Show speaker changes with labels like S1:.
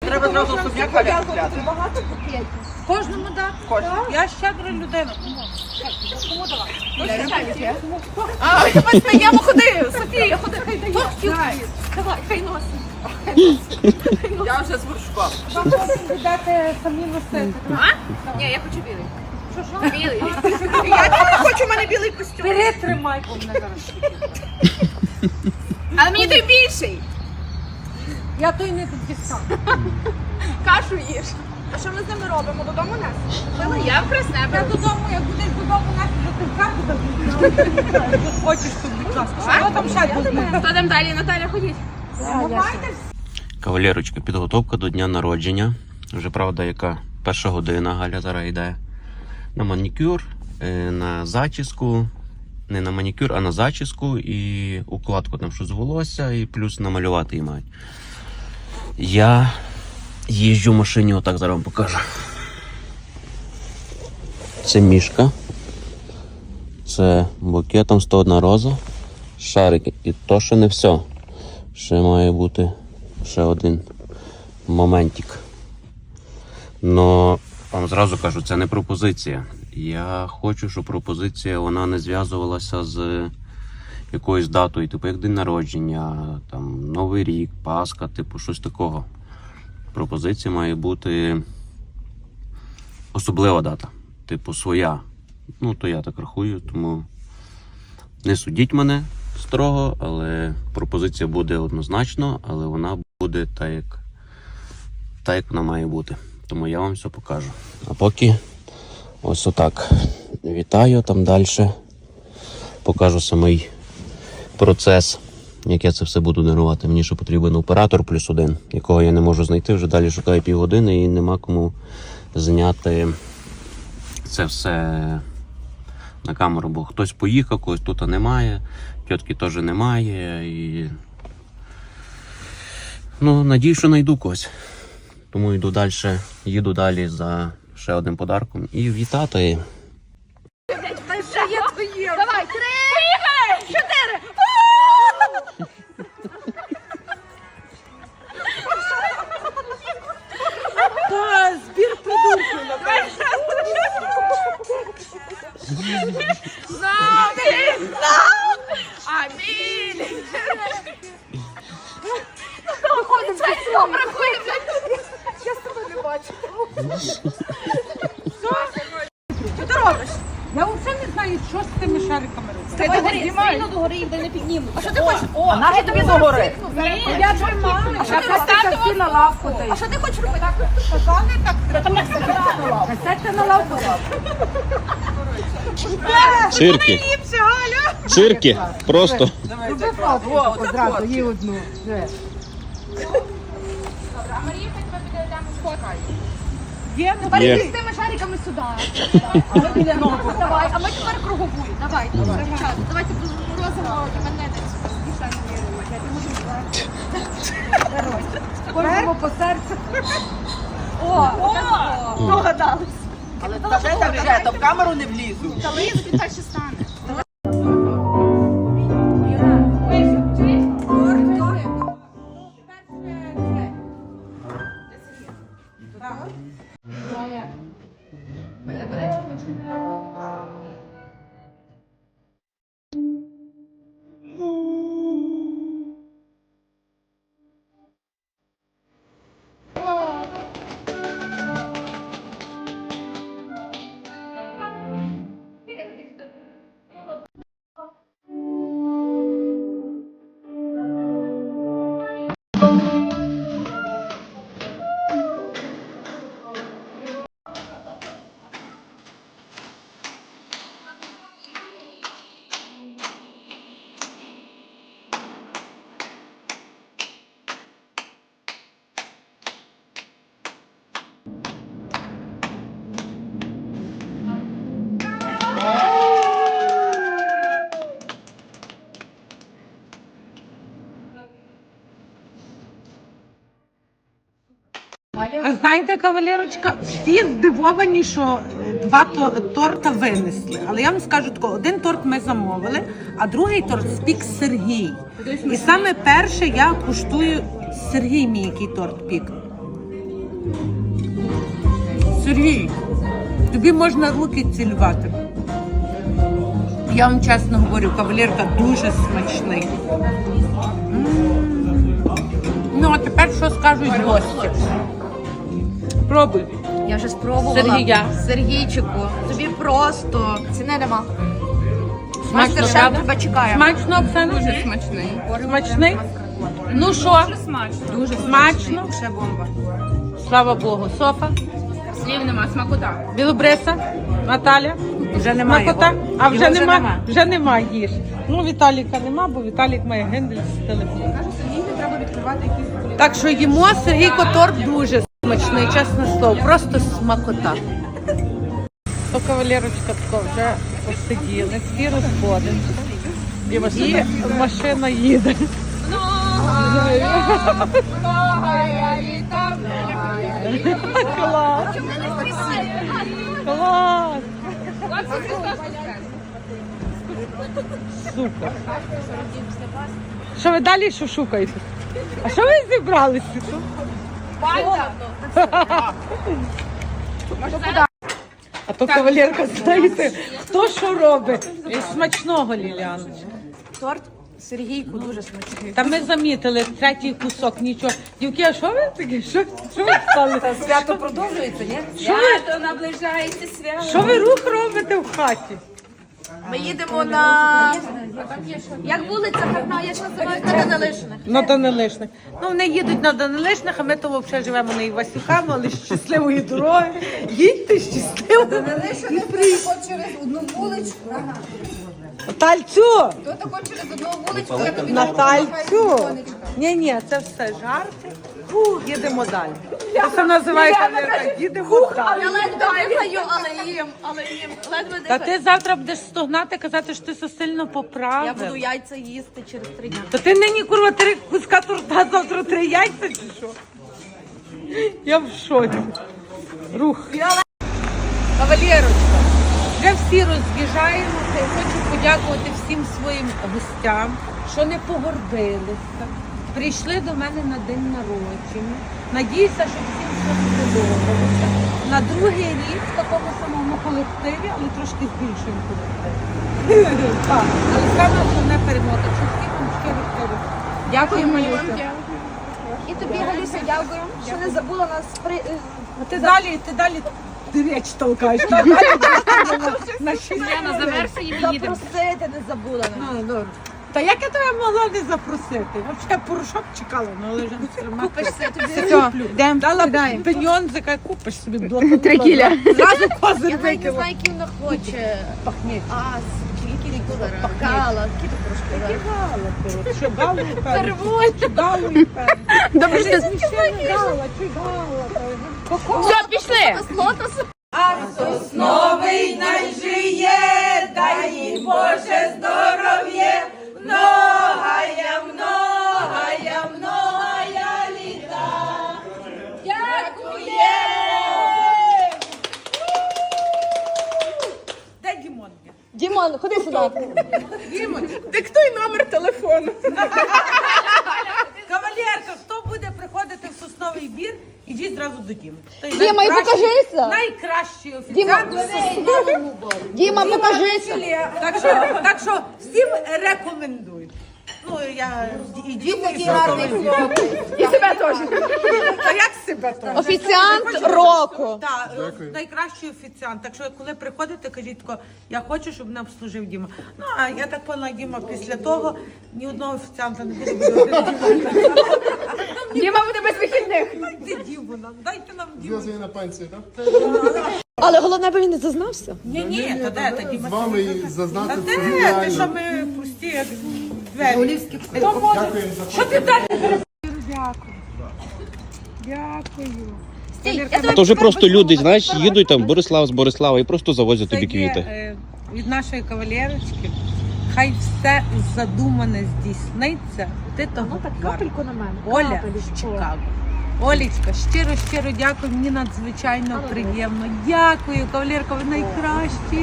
S1: Треба зразу особняк Галя купляти.
S2: Багато букетів.
S3: Кожному дати?
S1: Кожному.
S3: Я щедра людина. Кому давай?
S2: А, я бачу, я ходи, Софія, ходи, хай дає. Давай, хай носить.
S1: Я вже з горшком.
S3: Вам потім віддати самі носити.
S2: Ні, я хочу білий. Що? Білий.
S1: Я не хочу, у мене білий костюм.
S3: Перетримай, бо мене зараз.
S2: Але мені той більший.
S3: Я той не дістав.
S2: Кашу їж. А що ми з ними робимо? Додому нас? Я в Краснебе.
S3: Я додому, як будеш додому, нас вже ти в карту дадуть. Хочеш тут, будь ласка. Що там ще буде?
S2: Хто там далі? Наталя, ходіть.
S4: Кавалерочка, підготовка до дня народження. Вже правда, яка перша година Галя зараз йде на манікюр, на зачіску. Не на манікюр, а на зачіску і укладку там щось з волосся, і плюс намалювати її мають. Я їжджу в машині, отак зараз вам покажу. Це мішка. Це букетом 101 роза. Шарики. І то ще не все. Ще має бути ще один моментик. Но вам зразу кажу, це не пропозиція. Я хочу, щоб пропозиція вона не зв'язувалася з якоюсь датою, типу як день народження, там, Новий рік, Пасха, типу щось такого. Пропозиція має бути особлива дата, типу своя. Ну, то я так рахую, тому не судіть мене строго, але пропозиція буде однозначно, але вона буде так, як вона має бути. Тому я вам все покажу. А поки ось отак. Вітаю, там далі покажу самий процес, як я це все буду дарувати. Мені ще потрібен оператор плюс один, якого я не можу знайти, вже далі шукаю півгодини і нема кому зняти це все на камеру, бо хтось поїхав, когось тут немає, тітки теж немає і ну, надію, що знайду когось. Тому їду далі за ще одним подарком і вітати.
S2: Давай, 3, поїхали! 4.
S3: Та, збір придурків, напевно.
S2: Амінь! Амінь! Проходимо, проходимо. Я з тобою не бачу. Що ти робиш?
S3: Я взагалі не знаю, що з тими шариками робити.
S2: Ти догорі, сильно догори їх де не піднімуть. А що ти хочеш? А нащо тобі
S1: догори?
S3: Я тримаю.
S2: А що ти поставити всі на лавку? А що ти хочеш робити?
S3: Сказали так, там як сядьте на лавку.
S4: Цирки. Цирки. Просто.
S3: Роби фото одразу, їй одну.
S2: А Марія хай тебе піде там сфоткає.
S3: Є, ну,
S2: Перейди з тими шариками сюди. А ми біля ногу. Давай, а ми тепер кругову. Давай. Давайте розимо мене десь.
S3: кожному по серцю.
S2: О, догадались.
S1: Але та вже, то в камеру не влізу.
S2: Та лізуть, він так ще стане.
S3: Знаєте, кавалерочка, всі здивовані, що два торта винесли. Але я вам скажу тако, один торт ми замовили, а другий торт спік Сергій. І саме перше я куштую Сергій мій, який торт пік. Сергій, тобі можна руки цілувати. Я вам чесно говорю, кавалерка дуже смачний. Ну, а тепер що скажуть гості? Пробуй.
S2: Я вже спробувала.
S3: Сергія.
S2: Сергійчику, тобі просто ціни нема.
S3: Смачно,
S2: Мастер-шеф
S3: правда?
S2: тебе чекає.
S3: Смачно, Оксана?
S1: Дуже смачний.
S3: Смачний? Ну що?
S1: Смачно.
S3: Дуже смачно.
S1: Ще бомба.
S3: Слава Богу. Софа,
S1: Слів нема, смакота.
S3: Білобриса, Наталя.
S1: Вже немає.
S3: Смакота? А вже
S1: Його вже
S3: нема.
S1: нема.
S3: Вже нема їж. Ну, Віталіка нема, бо Віталік має гендель з телефону.
S1: Сергій, не треба відкривати якісь.
S3: Так що їмо, Сергійко, торт дуже смачний, чесне слово, просто смакота. То кавалерочка тако вже посиділи, всі розходимося. І машина їде. Клас! Клас! Супер! Що ви далі що шукаєте? А що ви зібралися тут? А то кавалерка, знаєте, хто що робить? Смачного, Ліліана.
S2: Торт Сергійку дуже смачний.
S3: Та ми замітили третій кусок, нічого. Дівки, а що ви такі? Що ви стали?
S2: Свято продовжується, ні?
S1: Свято наближається свято.
S3: Що ви рух робите в хаті?
S2: Ми їдемо на... Як вулиця гарна, як називають на Данилишних.
S3: На Данилишних. Ну, вони їдуть на Данилишних, а ми то взагалі живемо на Івасюками, але щасливої дороги. Їдьте щасливо.
S5: Через одну вуличку.
S3: Натальцю!
S5: То тако через одну вуличку, я тобі
S3: Натальцю! Ні, це все жарти. Їдемо далі. Це називається їдемо далі.
S2: Я ледве дихаю, але їм. Ледве
S3: Та
S2: дихаю.
S3: ти завтра будеш стогнати, казати, що ти все сильно поправив.
S2: Я буду яйця їсти через 3 дні.
S3: То ти нині, курва, 3 куска торта, завтра 3 яйця чи що? Я в шоці. Рух. Кавалерочка, вже всі роз'їжджаємося і хочу подякувати всім своїм гостям, що не погордилися. Прийшли до мене на день народження. Надіюся, що всім все сподобалося. На другий рік в такому самому колективі, але трошки з більшим колективом. Так, але саме основне перемога. Так що всім вам щиро. Дякую, Малюся.
S2: І тобі, Галюся, дякую, що не забула нас
S3: А ти далі річ толкаєш. Ти далі на
S2: на завершенні запросити, не забула нас.
S3: Та як я тебе могла не запросити? Взагалі порошок чекала, але вже не тримати.
S2: Купишся тобі.
S3: Дала пеньонзика, купиш собі блокнот.
S2: 3 кіля.
S3: Зразу козир
S2: Я навіть не
S3: викинула.
S2: знаю, який вона хоче.
S3: Пахніть.
S2: Скільки зараз? Гала, скільки трошки.
S3: Гала, коротше. Що гала, певно.
S2: Переводь.
S3: Гала, певно.
S2: Добре, що
S3: Гала, чи гала.
S2: Все, пішли. Лотос.
S3: Новий найжиє, дай їй Боже здоров'я, многая літа. Дякує! Де Дімон?
S2: Дімон, ходи сюди.
S3: Дімон,
S1: Диктуй номер телефону.
S3: кавалерка, хто буде приходити в Сосновий Бір, ідіть зразу до Діми.
S2: Діма, і покажися.
S3: Найкращий
S2: Діма,
S3: офіціант.
S2: Діма, покажися.
S3: Так що всім рекомендую. Ну, я і Діму, і
S2: І себе теж.
S3: Та як себе то?
S2: Офіціант року.
S3: Так, найкращий офіціант. Так що, коли приходите, кажіть тако, я хочу, щоб мене обслужив Діма. Ну, а я так поняла, Діма, після того ні одного офіціанта не буде.
S2: Діма буде без вихідних.
S3: Дайте Діму нам, дайте нам Діму.
S6: Зв'язані на пенсії, так?
S2: Але головне, аби він не зазнався.
S3: Ні, то де, та Діма.
S6: З вами і зазнати
S3: Та
S6: це
S3: де, ти що
S6: реально.
S3: ми пусті, як двері. Хто може?
S6: Дякуємо за
S3: Що ти далі? Дякую. Дякую.
S2: Стій,
S4: То вже просто люди, знаєш, їдуть там Борислав з Борислава і просто завозять
S3: Це
S4: тобі
S3: є,
S4: квіти.
S3: від нашої кавалерочки. Хай все задумане здійсниться. Ти того капельку
S2: на мене.
S3: Оля з Чикаго. Олічка, щиро дякую. Мені надзвичайно приємно. Дякую, кавалерка, ви найкращі.